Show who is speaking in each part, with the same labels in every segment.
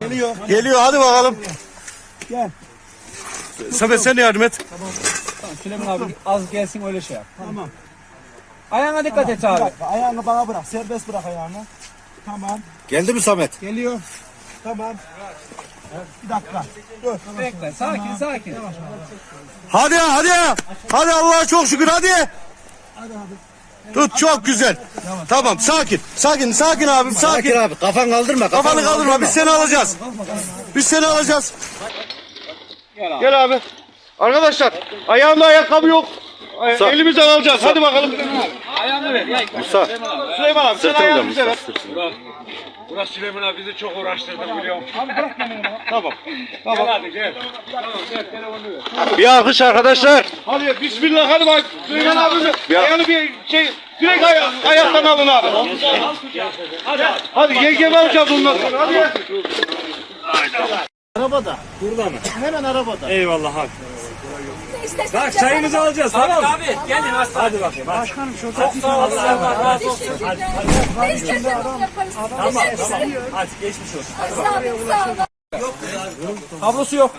Speaker 1: Geliyor.
Speaker 2: Geliyor, hadi bakalım.
Speaker 1: Gel.
Speaker 2: Samet sen de yardım et.
Speaker 3: Tamam, Süleyman abi az gelsin öyle şey yap.
Speaker 1: Tamam.
Speaker 3: Ayağına dikkat et abi.
Speaker 1: Ayağını bana bırak. Serbest bırak ayağını. Tamam.
Speaker 2: Geldi mi Samet?
Speaker 1: Geliyor. Tamam. Bir dakika. Dur.
Speaker 3: Bekle. Sakin sakin.
Speaker 2: Hadi ya, hadi ya. Hadi Allah'a çok şükür, hadi. Tut, çok güzel. Tamam, sakin. Sakin abim, sakin.
Speaker 4: abi kafan kaldırma.
Speaker 2: Kafanı kaldırma, biz seni alacağız. Biz seni alacağız. Gel abi. Arkadaşlar, ayağımda ayakkabı yok. Elimizden alacağız, hadi bakalım.
Speaker 3: Ayağını ver.
Speaker 2: Musa. Süleyman abi, sen ayağını bize ver.
Speaker 5: Burası Süleyman abi bizi çok uğraştırdı biliyorum.
Speaker 2: Tamam.
Speaker 5: Gel hadi gel. Tamam gel telefonu ver.
Speaker 2: Bir alkış arkadaşlar.
Speaker 5: Hadi bismillah hadi bak. Süleyman abimiz ayağını bir şey direkt ayaktan alın abi. Hadi yengem alacağız ondan sonra hadi.
Speaker 1: Arabada. Burada mı? Hemen arabada.
Speaker 3: Eyvallah abi. Bak çayımızı alacağız tamam mı? Abi gelin hadi bakayım.
Speaker 1: Başkanım şurada.
Speaker 3: Sağ ol Allah razı olsun.
Speaker 6: Ne istersen onu yaparız.
Speaker 3: Tamam. Hadi geçmiş olsun.
Speaker 6: Sağ olun.
Speaker 3: Kablosu yok.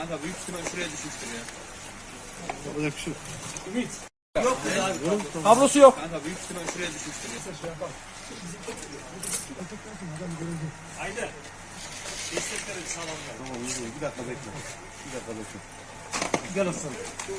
Speaker 3: Kablosu yok.